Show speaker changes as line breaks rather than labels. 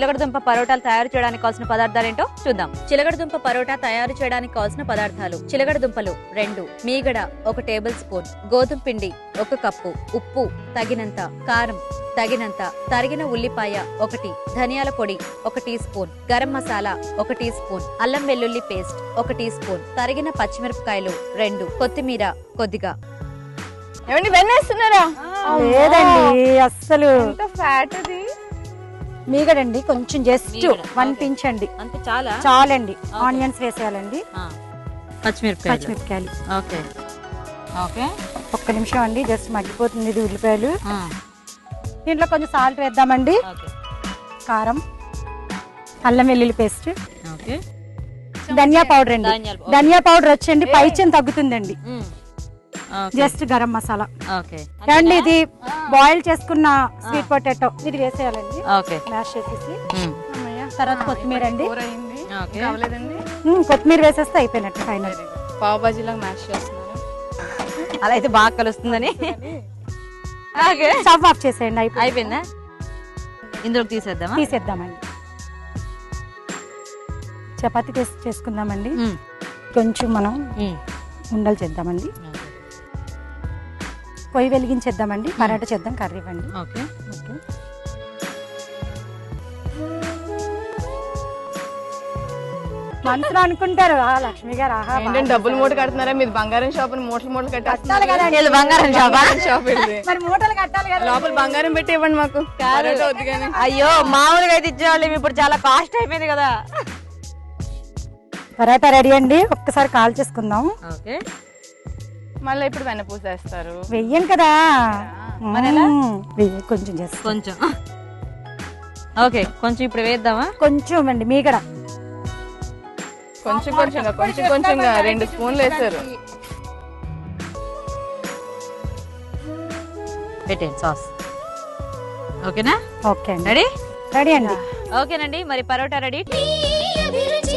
చిలకడదుంప పరోటాలు తయారు చేయడానికి కావాల్సిన పదార్థాలు ఏంటో చూద్దాం. చిలకడదుంప పరోటా తయారు చేయడానికి కావాల్సిన పదార్థాలు: చిలకడదుంపలు 2, మీగడ 1 టేబుల్ స్పూన్, గోధుమ పిండి 1 కప్పు, ఉప్పు తగినంత, కారం తగినంత, తరిగిన ఉల్లిపాయ 1, ధనియాల పొడి 1 teaspoon, garam masala 1 teaspoon, అల్లం వెల్లుల్లి పేస్ట్ 1 టీ స్పూన్, తరిగిన పచ్చిమిరపకాయలు 2, కొత్తిమీర కొద్దిగా.
ఏమండి వెన్నేస్తున్నారా?
లేదండి అస్సలు.
ఫ్యాట్ అది
మీగడండి కొంచెం జస్ట్ 1 పించ్ అండి,
అంతే చాలా
చాలండి. ఆనియన్స్ వేసేయాలండి,
పచ్చిమిరపకాయలు. ఓకే ఓకే,
1 నిమిషం అండి, జస్ట్ మగ్గిపోతుంది ఇది ఉల్లిపాయలు. దీంట్లో కొంచెం సాల్ట్ వేద్దామండి, కారం, అల్లం వెల్లుల్లి పేస్ట్, ధనియా పౌడర్ అండి. ధనియా పౌడర్ వచ్చండి పైచం తగ్గుతుందండి. జస్ట్ గరం మసాలా అండి. ఇది బాయిల్ చేసుకున్న స్వీట్ పొటాటో ఇది వేసేయాలండి, మ్యాష్ చేసేసి. తర్వాత కొత్తిమీర అండి, కొత్తిమీర వేసేస్తే అయిపోయినట్టు ఫైనల్.
పావ్ బాజీలాగా మ్యాష్ చేస్తున్నారు,
అలా అయితే బాగా కలుస్తుందని.
స్టవ్ ఆఫ్ చేసేయండి,
అయిపోయిందా? ఇందులోకి తీసేద్దామండి.
చపాతీ చేసుకుందామండి. కొంచెం మనం ఉండలు చేద్దామండి, పొయ్యి వెలిగించేద్దామండి. పరాటా చేద్దాం, కర్రీ ఇవ్వండి.
ఓకే
మనసులో అనుకుంటారు లక్ష్మి గారు, ఆహా
డబ్బులు మూట కడుతున్నారా? మీరు బంగారం షాప్ మూటలు
కట్టాలి కదా.
బంగారం
షాప్
మరి మూటలు కట్టాలి కదా,
లోపల బంగారం పెట్టి ఇవ్వండి మాకు.
అయ్యో మామూలుగా అయితే ఇచ్చేవాళ్ళు, ఇప్పుడు చాలా కాస్ట్ అయిపోయింది కదా.
పరాటా రెడీ అండి, ఒక్కసారి కాల్ చేసుకుందాం.
ఓకే,
మళ్ళీ ఇప్పుడు వెన్నపూస వేస్తారు.
వెయ్యం కదా, కొంచెం చేస్తాం
కొంచెం. ఓకే, కొంచెం ఇప్పుడు వేద్దామా?
కొంచెం అండి మీగడ,
కొంచెం 2 స్పూన్లు వేస్తారు.
పెట్టండి సాస్. ఓకేనా?
ఓకే అండి,
రెడీ
రెడీ అండి.
ఓకేనండి, మరి పరోటా రెడీ.